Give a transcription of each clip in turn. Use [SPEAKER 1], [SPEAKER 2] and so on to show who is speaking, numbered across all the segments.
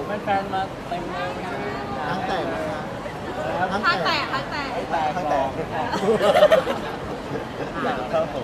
[SPEAKER 1] แฟนๆมาเต็มเลย
[SPEAKER 2] ทั้งแต่นะครับ
[SPEAKER 3] ข้างแตก
[SPEAKER 1] ทั้งแต่ครับผม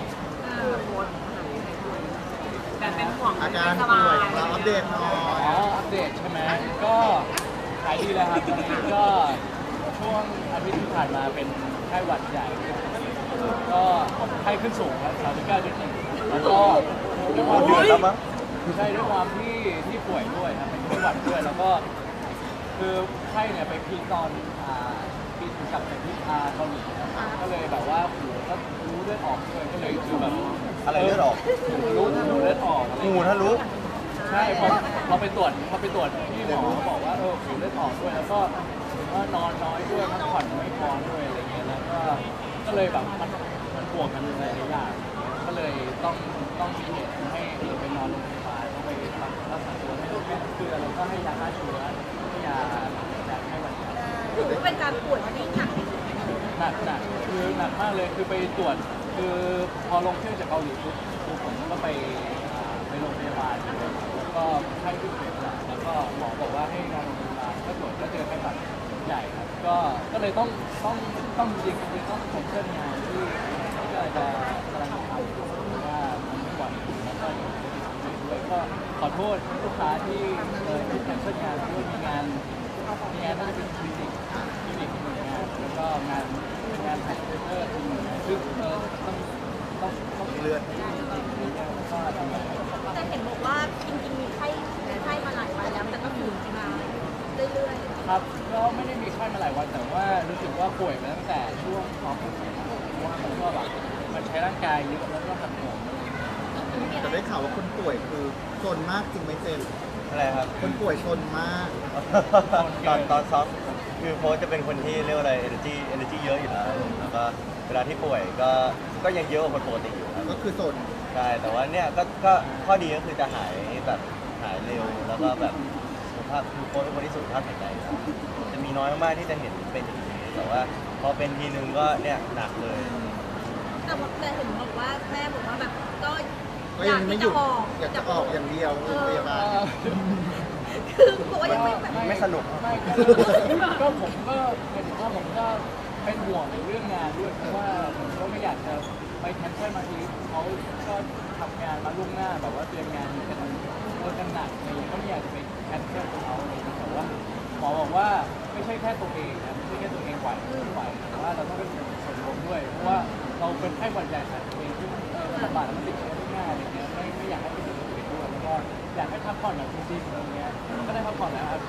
[SPEAKER 3] แต่เป็นห่วง
[SPEAKER 2] อาการป่วยของเราอัปเดตหน่อย
[SPEAKER 1] อัปเดตใช่ไหมก็หายดีแล้วครับตอนนี้ก็ช่วงอาทิตย์ที่ผ่านมาเป็นไข้หวัดใหญ่ก็ไข้ขึ้นสูงครับ39.1แล้วก็ด้วยความ
[SPEAKER 2] เดือดแล้วมั้ง
[SPEAKER 1] ใช่ด้วยความที่ป่วยด้วยครับเป็นไข้หวัดด้วยแล้วก็คือไข้เนี่ยไปพีคตอนบินกลับจากที่เกาหลีนะครับก็เลยแบบว่าหูก็รู้เลือดออกด้วยก็เลยคือแบบ
[SPEAKER 2] อะไรเลือดออก
[SPEAKER 1] รู้เลือดออกอะไร
[SPEAKER 2] งูถ้ารู้
[SPEAKER 1] ใช่พอไปตรวจที่หมอเขาบอกว่าหูเลือดออกด้วยแล้วก็นอนน้อยด้วยพักผ่อนไม่พอด้วยอะไรเงี้ยแล้วก็เลยแบบมันบวกกันหลายอย่างก็เลยต้องมีเหตุให้ไปนอนโรงพยาบาลต้องไปรักษาตัวให้เกลือแล้วก็ให้ยาฆ่าเชื้อให้ยาให้หวัดใหญ่
[SPEAKER 3] ถือว่าเป็นการป่วยที่หนัก
[SPEAKER 1] หนักคือหนักมากเลยคือไปตรวจคือพอลงเครื่องจากเกาหลีปุ๊บผมก็ไปโรงพยาบาลแล้วก็ไข้ขึ้นสูงแล้วก็หมอบอกว่าให้นอนโรงพยาบาลก็ตรวจก็เจอไข้หวัดใหญ่ครับก็เลยต้องจริงๆต้องแคนเซิลงานที่ก็จะกำลังทำเพราะว่ามันไม่ไหวแล้วก็อยู่ด้วยก็ขอโทษลูกค้าที่แคนเซิลงานด้วยมีงานน่าจะเป็นคลินิกหนึ่งงานแล้วก็งานถ่ายเตอร์อีกหนึ่งงานซึ่งต้อง
[SPEAKER 2] เลือด
[SPEAKER 1] แล้วก็ทำงาน
[SPEAKER 3] แต่เห็นบอกว่าจริงๆมีไข้มาหลายวันแล้วแต่ก็อยู่มาเรื่อย
[SPEAKER 1] ครับก็ไม่ได้มีไข้มาหลายวันแต่ว่ารู้สึกว่าป่วยมาตั้งแต่ช่วงท้องผูกเพราะว่ามันก็แบบมันใช้ร่างกายเยอะแล้วก็หักโหม
[SPEAKER 2] แต่ได้ข่าวว่าคนป่วยคือชนมากจริงไหมเจมส์
[SPEAKER 4] อะไรครับ
[SPEAKER 2] คนป่วยชนมาก
[SPEAKER 4] ตอนซ้อมคือโค้ชจะเป็นคนที่เรียกว่าอะไร energy เยอะอยู่แล้วแล้วก็เวลาที่ป่วยก็ยังเยอะกว่าคนปกติอยู่ครับ
[SPEAKER 2] ก็คือชน
[SPEAKER 4] ใช่แต่ว่าเนี่ยก็ข้อดีก็คือจะหายแบบหายเร็วแล้วก็แบบสุขภาพคือโค้ชเป็นคนที่สุขภาพแข็งแรงครับจะมีน้อยมากๆที่จะเห็นเป็นอย่างนี้แต่ว่าพอเป็นทีนึงก็เนี่ยหนักเลย
[SPEAKER 3] ๆแต่เห็นบอกว่าแม่บอกว่าแบบก็
[SPEAKER 2] ก็
[SPEAKER 3] อ
[SPEAKER 2] ยั
[SPEAKER 3] ยาง ก
[SPEAKER 2] ไม่
[SPEAKER 3] ที่
[SPEAKER 2] หยุ
[SPEAKER 3] จะ
[SPEAKER 2] ด
[SPEAKER 3] ออก
[SPEAKER 2] อยากจะออกอย่างเดียวโรงพยาบาล
[SPEAKER 3] คือบอกว่ายังไม่แบบ
[SPEAKER 4] ไม่สนุก
[SPEAKER 1] ไม่ก็ผมก็เป็นว่าผมก็เป็นห่วงในเรื่องงานด้วยเพราะว่าผมก็ไม่อยากจะไปแคนเซิลมาทีเขาก็ทำงานมาล่วงหน้าแบบว่าเตรียมงานกันหนักอะไรอย่างเงี้ยก็ไม่อยากจะไปแคนเซิลเขาอะไรอย่างเงี้ยแต่ว่าหมอบอกว่าไม่ใช่แค่ตัวเองนะไม่ใช่แค่ตัวเองไหวไม่ไหวแต่ว่าเราต้องเป็นส่วนรวมด้วยเพราะว่าเราเป็นไข้หวัดใหญ่แต่ตัวเองที่ระบาดแล้วมันติดเชื้อได้ง่ายอะไรเงี้ยไม่อยากให้เป็นตัวเองด้วยแล้วก็อยากให้พักผ่อนแบบจริงๆอะไรเงี้ยก็ได้พักผ่อนแล้วครับ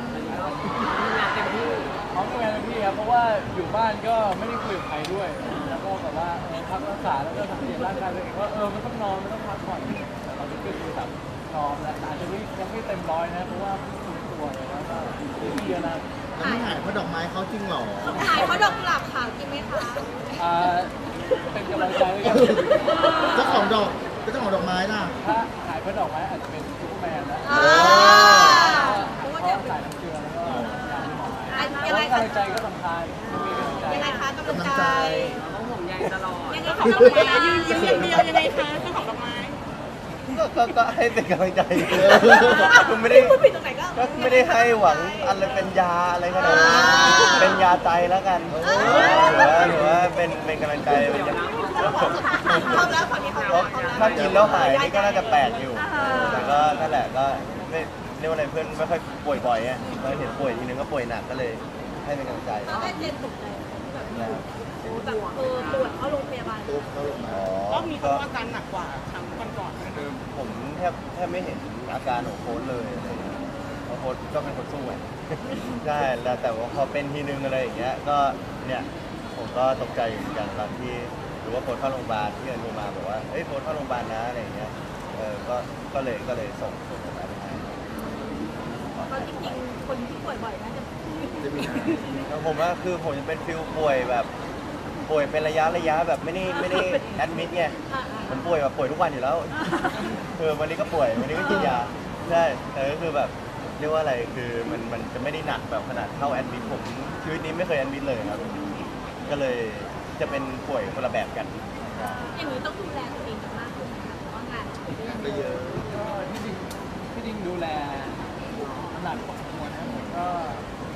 [SPEAKER 1] เขาทำงานเต็มที่ครับเพราะว่าอยู่บ้านก็ไม่ได้คุยกับใครด้วย แล้วก็แบบว่าพักรักษาแล้วก็สังเกตร่างกายตัวเองว่ามันต้องนอนมันต้องพักผ่อนแต่เราจะขึ้นคือแบบนอนแล้วอาจจะยังไม่เต็มร้อยนะเพราะว่าฟื้นตัวเลยแล้วก็เยอะนะ
[SPEAKER 2] แล้วไม่หายเพราะดอกไม้เขาจริงเหรอ
[SPEAKER 3] หายเพราะดอกกุหลาบขาวจริงไหมคะ
[SPEAKER 1] เป็นกำลังใจให้กัน
[SPEAKER 2] เจ้าของดอกเจ้าของดอกไม้ล่ะ
[SPEAKER 1] ถ้าหายเพราะดอกไม้อาจจะเป็นซูเปอร์แมนแล้ว
[SPEAKER 3] อ่า
[SPEAKER 1] เพราะว่าสายน้ำเกลือแล้วก็ยาหมอ
[SPEAKER 3] ยังไง
[SPEAKER 1] กำ
[SPEAKER 3] คะ
[SPEAKER 1] ลังใจก็สำคัญมีกำลังใจ
[SPEAKER 3] ยังไงคะกำลัง
[SPEAKER 2] กำลัง
[SPEAKER 3] ใจ
[SPEAKER 2] ใจ
[SPEAKER 5] ต้องห่วงใยตลอด
[SPEAKER 3] ยังไงคะดอกไม้ยืนยิ้มอย่างเดียวยังไงคะเจ้าของดอกไม้
[SPEAKER 4] ก็ให้เป็นกำลังใจคือไม่ได้
[SPEAKER 3] พูดผิดตรงไหนก็
[SPEAKER 4] ก็ไม่ได้ให้หวังอะไรเป็นยาอะไรขนาดนั้นเป็นยาใจแล้วกันหรือว่าเป็นกำลังใจเป็นยา
[SPEAKER 3] พร้อมแล้วฝั่งนี้พร้อม
[SPEAKER 4] เพราะ
[SPEAKER 3] แล้ว
[SPEAKER 4] ถ้ากินแล้วหายนี่ก็น่าจะแปลกอยู่ แต่ก็นั่นแหละก็ไม่เรียกว่าอะไรเพื่อนไม่ค่อยป่วยบ่อยไงเราเห็นป่วยทีนึงก็ป่วยหนักก็เลยให้เป็นกำลังใจ
[SPEAKER 3] ตอนแรกเจนตกใจแบบ
[SPEAKER 4] นะครับ
[SPEAKER 3] แบบปวดเข้าโรงพยาบาล
[SPEAKER 2] ตุ๊บเขาลงมา
[SPEAKER 4] อ๋อ
[SPEAKER 5] รอบนี้เขาอาการหนักกว่าครั้งก่อนๆ
[SPEAKER 4] คือผมแทบไม่เห็นอาการของโค้ชเลยอะไรอย่างเงี้ยเพราะโค้ชก็เป็นคนสู้ไง ใช่แล้วแต่ว่าพอเป็นทีนึงอะไรอย่างเงี้ยก็เนี่ยผมก็ตกใจอยู่เหมือนกันตอนที่รู้ว่าโค้ชเข้าโรงพยาบาลที่เอิญโทรมาบอกว่าเฮ้ยโค้ชเข้าโรงพยาบาลนะอะไรอย่างเงี้ยก็เลยส่งมาให้
[SPEAKER 3] เพราะจริงๆคนที่ป่วยบ่อยน่าจะ
[SPEAKER 2] จะมี
[SPEAKER 4] แล้วผมว่าคือผมจะเป็นฟิลป่วยแบบป่วยเป็นระยะแบบไม่ได้แอดมิดไงผมป่วยแบบป่วยทุกวันอยู่แล้วคือวันนี้ก็ป่วยวันนี้ก็กินยาใช่แต่ก็คือแบบเรียกว่าอะไรคือมันจะไม่ได้หนักแบบขนาดเข้าแอดมิดผมชีวิตนี้ไม่เคยแอดมิดเลยครับก็เลยจะเป็นป่วยคนละแบบกัน
[SPEAKER 3] อย่างนี้ต้องดูแลตัวเองมากขึ้นนะคะเพราะว่างาน
[SPEAKER 2] ก็เยอะ
[SPEAKER 1] ก็ที่จริงดูแลหนัก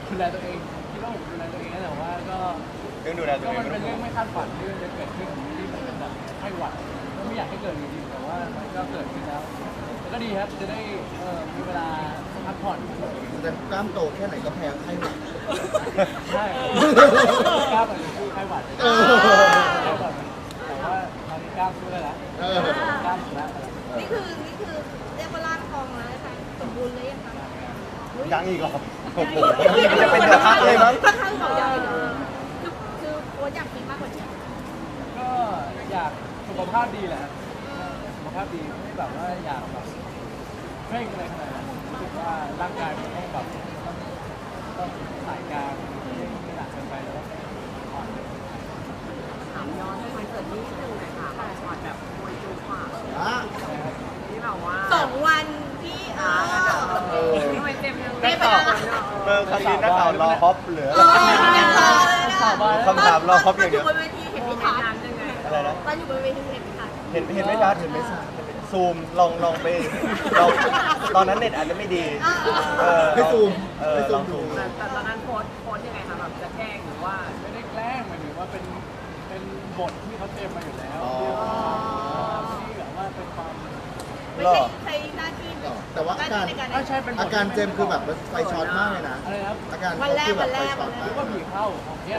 [SPEAKER 1] ดูแลตัวเองคิดว่าผมดูแลตัวเองนะแต่ว่าก็
[SPEAKER 4] เรื่องดูแลตัวเอง
[SPEAKER 1] มัน
[SPEAKER 4] ไม่
[SPEAKER 1] เป็
[SPEAKER 4] ต้
[SPEAKER 1] น
[SPEAKER 4] อง
[SPEAKER 1] เรื่
[SPEAKER 4] ห่
[SPEAKER 1] อ
[SPEAKER 4] ว
[SPEAKER 1] ง
[SPEAKER 4] ง
[SPEAKER 1] ไม่คาดฝันที่มันจะเกิดขึ้นที่มันเป็นแบบไข้หวัดก็ไม่อยากให้เกิดจริงๆแต่ว่ามันก็เกิดขึ้นแล้วแต่ก็ดีครับจะได้มีเวลาพักผ่อน
[SPEAKER 2] แต่กล้ามโตแค่ไหนก็แพ้ไข้หวัด
[SPEAKER 1] ใช่กล้ามมันคือไข้หวัด
[SPEAKER 2] เออ
[SPEAKER 1] ไข้หวัดแต่ว่าตอนนี้กล้ามสู้ได้แล้ว
[SPEAKER 2] เออ
[SPEAKER 1] กล้ามชนะ
[SPEAKER 3] นี่คือเรียกว่าร่างทองแล้วนะคะสมบูรณ์เลยยังคะ
[SPEAKER 4] ยังอีกเหรอโอ้โหมันจะเป็นเดือดพักเลยมั้ง
[SPEAKER 3] ค่อนข้างบอกใหญ่เลยคือโค้ชอยากกินมากกว่านี้
[SPEAKER 1] ก็อยากสุขภาพดีแหละครับสุขภาพดีไม่แบบว่าอยากแบบเร่งอะไรขนาดนั้นรู้สึกว่าร่างกายมันต้องแบบต้องสายกลางไม่หนักเกินไปแล้วก็อ่อน
[SPEAKER 5] ถามย้อนไปคอนเสิร์ตนี้นิดนึงหน่อยค่ะช็อตแบบมวยจูกว่า
[SPEAKER 2] อ่ะ
[SPEAKER 5] ที่แบบว่า
[SPEAKER 3] 2 วันที่
[SPEAKER 2] เออ
[SPEAKER 5] ทำไมเต็มยัง
[SPEAKER 3] ได้ไปแล้ว
[SPEAKER 4] ครั้งนี้นักข่าวรอฮอปเหลือ
[SPEAKER 3] ยังรอเลยนะ
[SPEAKER 4] คำถามรอครบอย่างเดียว
[SPEAKER 3] ตอนอยู่บนเวทีเห็น
[SPEAKER 5] โม
[SPEAKER 3] ไม่
[SPEAKER 5] เมน
[SPEAKER 3] ชัด
[SPEAKER 5] ต์นั้นยังไง
[SPEAKER 4] อะไรนะ
[SPEAKER 3] ตอนอยู่บนเวทีเห็นไม่ชัด
[SPEAKER 4] เห็นไม่ชัดเห็นไม่ชัดซูมลองไปลองตอนนั้นเน็ตอาจจะไม่ดีลองซูม
[SPEAKER 5] แต่ตอนนั้นโพสยังไงคะแบบจะแกล้งหรือว่า
[SPEAKER 1] ไม่ได้แกล้งหมายถึงว่าเป็นบทที่เขาเตรียมมาอยู่แล้ว
[SPEAKER 2] อ๋อ
[SPEAKER 1] ที่แบบว่าเป็นความ
[SPEAKER 3] ไม่ใช่ใช้หน้าที่
[SPEAKER 2] แต่ว่าอาการ
[SPEAKER 3] ในการ
[SPEAKER 1] ไม่ใช่เป็นบท
[SPEAKER 2] อาการเจมส์คือแบบไฟช็อตมากเลยนะ
[SPEAKER 1] อะไรครับ
[SPEAKER 2] อาการ
[SPEAKER 3] วัน
[SPEAKER 2] เขา
[SPEAKER 3] แรก
[SPEAKER 2] คือแบ
[SPEAKER 3] วั
[SPEAKER 2] บ
[SPEAKER 3] น
[SPEAKER 2] ไฟ
[SPEAKER 3] แรก
[SPEAKER 2] ช็อ
[SPEAKER 3] วั
[SPEAKER 2] ต
[SPEAKER 3] นแร
[SPEAKER 2] มาก
[SPEAKER 1] ก็ผีเข้าของเนี้ย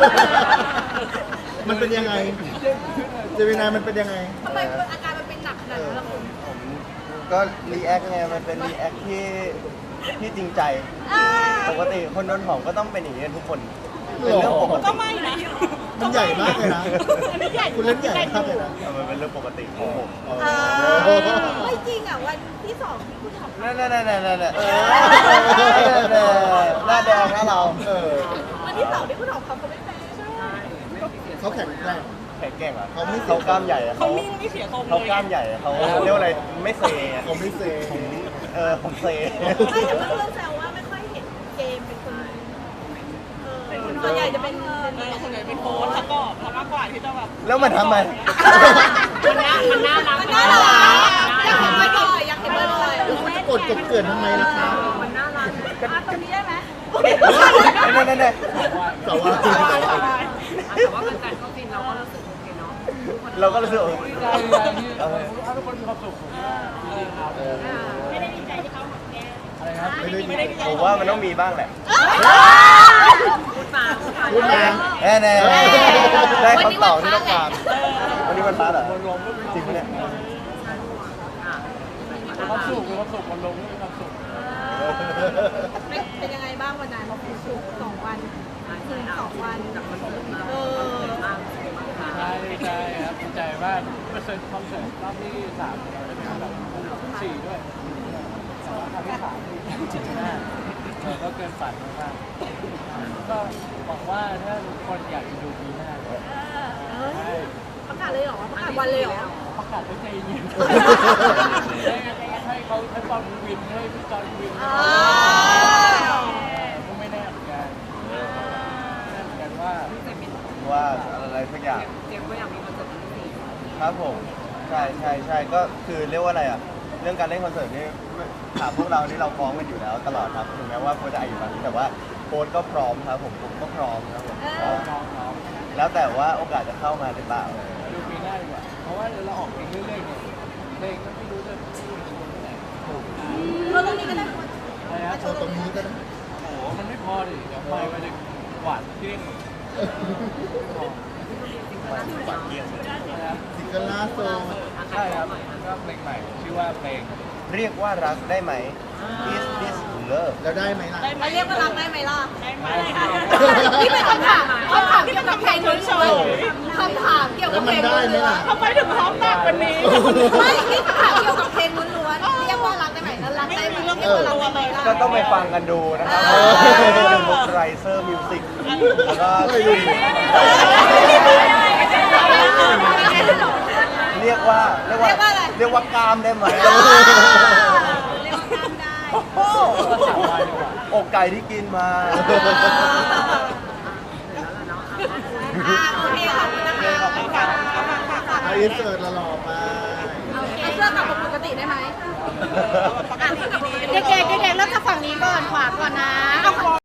[SPEAKER 2] มันเป็นยังไง เจมินายมันเป็นยังไง
[SPEAKER 3] ทำไมอาการมันเป็นหนักขนาดนั้นล่ะคุณ
[SPEAKER 4] ผมก็รีแอคไงมันเป็นรีแอคที่จริงใจ ปกติคนโดนหอมก็ต้องเป็นอย่างนี้กันทุกคนเป็นเรื่องปกติ
[SPEAKER 2] มันใหญ่มากเลยนะ คุณเล่นใหญ่มากเลยนะ
[SPEAKER 4] มันเป็นเรื่องปกติของผม
[SPEAKER 3] ไม่จริงอ่ะวันที่2ที่คุณทำ
[SPEAKER 4] นั่นหน้าแดงนะเรา
[SPEAKER 2] เออ
[SPEAKER 3] วันที่2ที่คุณทำเขาไม่เป็น
[SPEAKER 2] เขาแข็งแกร่ง
[SPEAKER 4] แข็งแกร่งอ่ะ
[SPEAKER 2] เขาไม่เสีย
[SPEAKER 4] เขากล้ามใหญ่อะเขาเขากล้ามใหญ่อะเขาเรียกว่าอะไรไม่เซอะ
[SPEAKER 2] เขาไม่เซ
[SPEAKER 4] ผมเซ
[SPEAKER 3] ไม่แต่เพื่อนแซวว่าไม่ค่อยเห็นเกมเป็นคนส่วนใหญ่จะเป็นส่วนใหญ่เป็นโค้ชแล้วก็ทำมากกว่าที่จะแบบ
[SPEAKER 4] แล้วมันทำไม
[SPEAKER 5] มันน่ารัก
[SPEAKER 3] มันน่ารักอยากเห็นบ่อยๆอยากเห็นบ่อย
[SPEAKER 2] แล้วคุณจะกดกบเกลื่อนทำไมล่ะคะ
[SPEAKER 5] มันน่ารัก
[SPEAKER 3] ๆตรงนี้ได้ไหม
[SPEAKER 4] นั่น
[SPEAKER 2] แต่ว่า
[SPEAKER 5] แต่ว่าเป็นการเข้าฟินเราก็รู้สึกโอเคเนาะ
[SPEAKER 4] เราก็รู้สึก
[SPEAKER 1] ดีใจที่ทุกคนมีความสุขผมว่าดีครับ
[SPEAKER 3] ไม่ได้ดีใจที่เขาหมดแก้
[SPEAKER 1] อะไรครับ
[SPEAKER 2] ไม่ได้
[SPEAKER 4] ผมว่ามันต้องมีบ้างแหละ
[SPEAKER 5] พูดมา
[SPEAKER 2] พูดมา
[SPEAKER 4] แน่ได้คำตอบที่ต้องการวันนี้มันฟ้าเหรอ
[SPEAKER 1] คนลงก็มี
[SPEAKER 4] จริงปะเนี่ย
[SPEAKER 1] ความสุขมีความสุขคนลงก็มีความสุข
[SPEAKER 3] เป็นยังไงบ้างวันนั้นสุก2 วันถึง2 วัน
[SPEAKER 1] ใช่ใช่ครับดีใจมากเปอร์เซ็นต์คอนเสิร์ตรอบที่3เราได้เป็นแบบ4ด้วยแต่ว่าครั้งที่3ที่ก็เกินฝันมากก็หวังว่าถ้าทุกคนอยากจะดูปีหน้าใช่
[SPEAKER 3] ประกาศเลยเหรอประกาศวันเลยเหรอ
[SPEAKER 1] ประกาศให้ใจเย็นให้เขาให้ปอนวินให้พี่จอนวินก็ไม่แน่เหมือนกันแน่เหมือนกันว่า
[SPEAKER 4] ว่าอะไรสักอย่าง
[SPEAKER 5] เจมก็อยากมีคอนเสิร์ตที่นี่
[SPEAKER 4] ครับผมใช่ก็คือเรียกว่าอะไรอ่ะเรื่องการเล่นคอนเสิร์ตนี่ถามพวกเรานี่เราพร้อมกันอยู่แล้วตลอดครับถึงแม้ว่าโค้ชจะอายุน้อยแต่ว่าโค้ชก็พร้อมครับผมก็พร้อมครับผม
[SPEAKER 1] น้อง
[SPEAKER 4] แล้วแต่ว่าโอกาสจะเข้ามาหรือเปล่า
[SPEAKER 1] ดูปีหน้าดีกว่า เพราะว่าเราออกเพลงเรื่อยๆเนี่ยเพลงก็ไม่รู้จะที่ไหน
[SPEAKER 3] เราตรงนี้ก็ได้
[SPEAKER 1] อะไรครับ
[SPEAKER 2] โชว์ตรงนี้ก็ได้
[SPEAKER 1] โอ้โหมันไม่พอดิเดี๋ยวไปมันจะหวานเกลี้ยง
[SPEAKER 4] ปากเกี้ยงเลย
[SPEAKER 1] นะครับ
[SPEAKER 2] ซิงเกิลล่าสุด
[SPEAKER 1] ใช่ครับก็เพลงใหม่ชื่อว่าเพลง
[SPEAKER 4] เรียกว่ารักได้ไหม Is this love
[SPEAKER 2] แล้วได้ไหมล่ะ
[SPEAKER 3] มาเรียกว่ารักได้ไหมล่ะ
[SPEAKER 1] ได้ค่ะ
[SPEAKER 3] นี่เป็นคำถามเกี่ยวกับเพลงล้วนๆคำถามเกี่ยวกับเพลงล้วนๆ
[SPEAKER 5] ทำไมถึงพร้อมมากวันนี้
[SPEAKER 3] ไม่นี่คำถามเกี่ยวกับเพลงล้วนๆเรียกว่ารักได้ไหมแล้วรักได้ไหมเรียกว่ารักได้ไหมล่ะ
[SPEAKER 4] ก็ต้องไปฟังกันดูนะครับเป็นบุ๊กไรเซอร์มิวสิกแล้วก็เรียกว่ากามได้ไหม
[SPEAKER 3] เรียกว่าการได้
[SPEAKER 1] ก็สาววายดีกว่า
[SPEAKER 4] อกไก่ที่กินมา
[SPEAKER 3] โอเคขอบคุณนะคะขอบคุณค่ะ
[SPEAKER 2] ไออินเสิร์ตหล่อๆไป
[SPEAKER 3] เอาเสื้อกลับมาปกติได้ไหมอ่ะเสื้อกลับ